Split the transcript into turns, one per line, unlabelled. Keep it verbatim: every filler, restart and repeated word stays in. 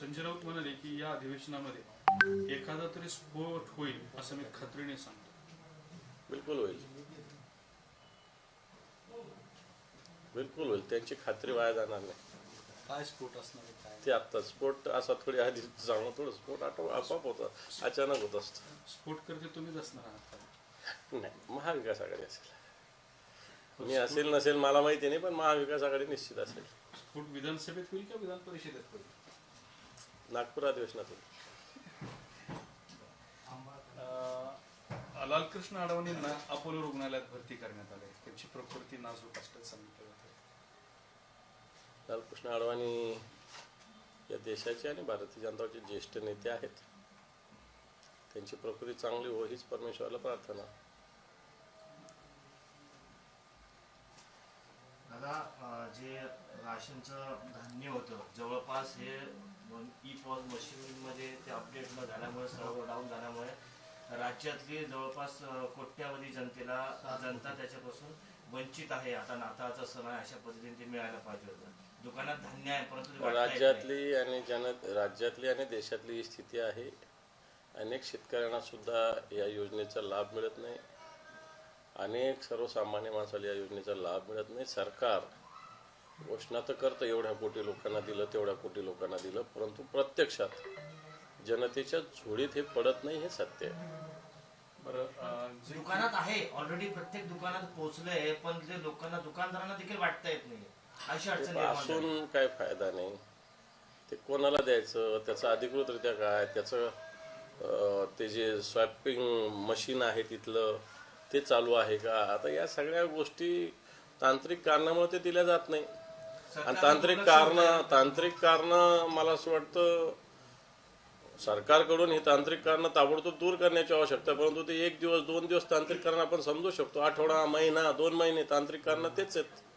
संजय राऊत म्हणाले की या अधिवेशनामध्ये एखादा तरी स्फोट होईल असं मी खात्रीने सांगतो.
बिलकुल होईल, बिलकुल होईल, त्यांची खात्री वाया जाणार नाही.
काय स्फोट असणार आहे काय
ते आता स्फोट असा थोडी आधी जाणं थोडं स्फोट आटो आपोआप होतं, अचानक होत असतं.
स्फोट करते तुम्हीच असणार आहात.
नाही, महाविकास आघाडी असेल. मी असेल नसेल मला माहिती नाही, पण महाविकास आघाडी निश्चित असेल.
स्फोट विधानसभेत होईल का विधान परिषदेत होईल?
नागपूर अधिवेशनात होईल.
लालकृष्ण अडवाणींना अपोलो रुग्णालयात भरती करण्यात आले, त्यांची प्रकृती नाजूक असल्याचं सांगितलं जातं.
लालकृष्ण अडवाणी या देशाचे आणि भारतीय जनता पार्टीचे ज्येष्ठ नेते आहेत. त्यांची प्रकृती चांगली हो हीच परमेश्वराला प्रार्थना.
दादा, जे राशनचं धान्य होतं जवळपास हे ई पॉज मशीनमध्ये ते अपडेट न झाल्यामुळे सर्व डाऊन झाल्यामुळे राज्यातली जवळपास कोट्यावधी जनतेला जनता त्याच्यापासून वंचित आहे. आता नाताळचा सण आहे, अशा पद्धतीने ते मिळायला पाहिजे होतं. दुकानात धान्य आहे परंतु
राज्यातली आणि जन राज्यातली आणि देशातली ही स्थिती आहे. अनेक शेतकऱ्यांना सुद्धा या योजनेचा लाभ मिळत नाही. अनेक सर्वसामान्य माणसाला या योजनेचा लाभ मिळत नाही. सरकार घोषणा तर करतं एवढ्या कोटी लोकांना दिलं तेवढ्या कोटी लोकांना दिलं, परंतु प्रत्यक्षात जनतेच्या झोळीत हे पडत नाही, हे सत्य आहे.
बरं,
दुकानात आहे ऑलरेडी, प्रत्येक दुकानात पोहोचलंय, पण ते लोकांना दुकानदारांना देखील वाटता येत नाही. अशी अडचण
असून काय फायदा नाही. ते कोणाला द्यायचं, त्याचं अधिकृतरित्या काय, त्याचं ते जे स्वॅपिंग मशीन आहे तिथलं ते चालू आहे का. आता या सगळ्या गोष्टी तांत्रिक कारणामुळे ते दिल्या जात नाही. आणि तांत्रिक कारण तांत्रिक कारण मला असं वाटतं सरकारकडून ही तांत्रिक कारणं ताबडतोब दूर करण्याची आवश्यकता. परंतु ते एक दिवस दोन दिवस तांत्रिक कारण आपण समजू शकतो, आठवडा महिना दोन महिने तांत्रिक कारणं तेच आहेत.